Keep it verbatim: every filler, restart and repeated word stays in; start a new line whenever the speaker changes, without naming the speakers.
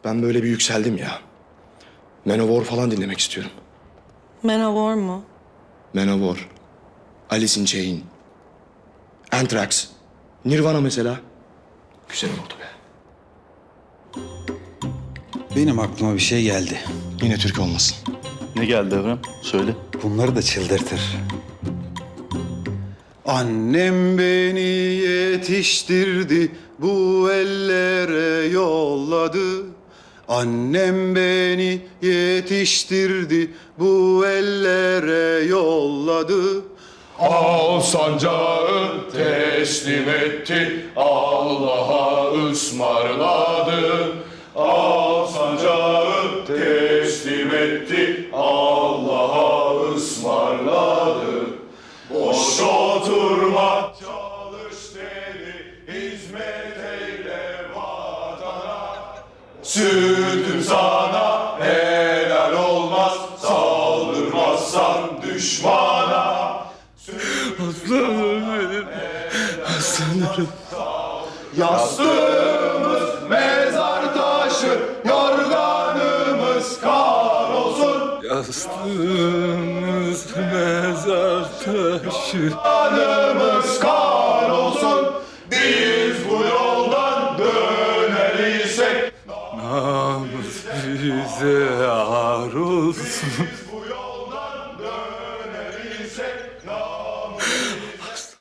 Ben böyle bir yükseldim ya. Manowar falan dinlemek istiyorum.
Manowar mu?
Manowar, Alice in Chains, Anthrax, Nirvana mesela. Güzel oldu be.
Benim aklıma bir şey geldi.
Yine Türk olmasın.
Ne geldi Evren? Söyle.
Bunları da çıldırtır. Annem beni yetiştirdi, bu ellere yolladı. Annem beni yetiştirdi, bu ellere yolladı.
Al sancağı teslim etti, Allah'a ısmarladı. Al sancağı teslim etti, Allah'a ısmarladı. Boş oturma, çalış dedi, hizmet eyle vatana. Sütüm sana helal olmaz, saldırmazsan düşmana. Aslanım benim, aslanım. Yastığımız mezar taşı, yorganımız kar olsun.
Yastığımız mezar taşı.
Yorganımız kar olsun. Biz bu yoldan döner isek
Namus bize